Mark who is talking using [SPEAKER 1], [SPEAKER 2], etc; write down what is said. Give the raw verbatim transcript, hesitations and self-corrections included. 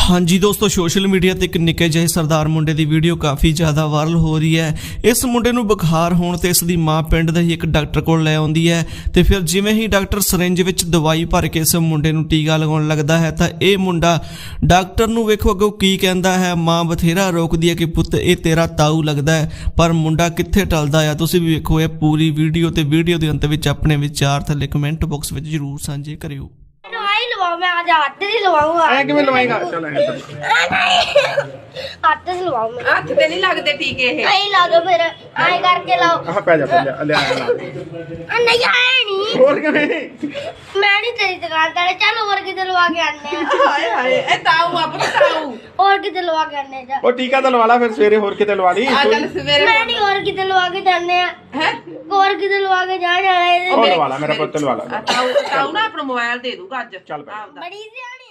[SPEAKER 1] हाँ जी दोस्तों, social media ते एक निक्के ਜਿਹੇ सरदार मुंडे ਦੀ ਵੀਡੀਓ ਕਾਫੀ ਜ਼ਿਆਦਾ ਵਾਇਰਲ ਹੋ ਰਹੀ ਹੈ। ਇਸ ਮੁੰਡੇ ਨੂੰ ਬੁਖਾਰ ਹੋਣ ਤੇ ਇਸ ਦੀ ਮਾਂ ਪਿੰਡ ਦੇ ਹੀ ਇੱਕ ਡਾਕਟਰ ਕੋਲ ਲੈ ਆਉਂਦੀ ਹੈ ਤੇ ਫਿਰ ਜਿਵੇਂ ਹੀ ਡਾਕਟਰ ਸਿਰਿੰਜ ਵਿੱਚ ਦਵਾਈ ਭਰ ਕੇ ਇਸ ਮੁੰਡੇ ਨੂੰ ਟੀਕਾ ਲਗਾਉਣ ਲੱਗਦਾ ਹੈ ਤਾਂ ਇਹ ਮੁੰਡਾ ਡਾਕਟਰ ਨੂੰ ਵੇਖੋ ਅੱਗੋਂ ਕੀ ਕਹਿੰਦਾ ਹੈ। ਮਾਂ ਬਥੇਰਾ ਰੋਕਦੀ ਹੈ ਕਿ ਪੁੱਤ ਇਹ ਤੇਰਾ ਤਾਊ ਲੱਗਦਾ ਹੈ, ਪਰ ਮੁੰਡਾ ਕਿੱਥੇ ਟਲਦਾ ਆ। ਤੁਸੀਂ ਵੀ ਵੇਖੋ ਇਹ ਪੂਰੀ ਵੀਡੀਓ ਤੇ ਵੀਡੀਓ ਦੇ ਅੰਤ ਵਿੱਚ ਆਪਣੇ ਵਿਚਾਰ ਥੱਲੇ ਕਮੈਂਟ ਬਾਕਸ ਵਿੱਚ ਜ਼ਰੂਰ ਸਾਂਝੇ ਕਰਿਓ।
[SPEAKER 2] मैं आज हाथ से लवाऊंगा।
[SPEAKER 3] ऐ किवें लवाएगा? चल ऐ
[SPEAKER 2] हाथ से लवाऊं मैं।
[SPEAKER 4] हाथ ते नहीं लगदे टीके ये।
[SPEAKER 2] नहीं लाओ फिर आए करके लाओ।
[SPEAKER 3] आह पै जा पै जा ले आ ला।
[SPEAKER 2] नहीं आए नहीं।
[SPEAKER 3] और किवें?
[SPEAKER 2] मैं नहीं तेरी दुकान ते चल और किते लवा के आने हैं।
[SPEAKER 4] हाय हाय ए ताऊ अपना ताऊ
[SPEAKER 2] और किते लवा के आने जा।
[SPEAKER 3] ओ टीका तो लवा ला फिर सवेरे होर किते लवा ली।
[SPEAKER 4] आ कल सवेरे
[SPEAKER 2] मैं नहीं और किते लवा के जाने हैं।
[SPEAKER 4] हैं
[SPEAKER 2] और किते लवा के जा जाना है।
[SPEAKER 3] और लवा ला मेरा पुੱਤ लवा ला।
[SPEAKER 4] ताऊ ताऊ ना अपना मोबाइल दे दूंगा आज
[SPEAKER 3] चल भाई।
[SPEAKER 2] बड़ी सी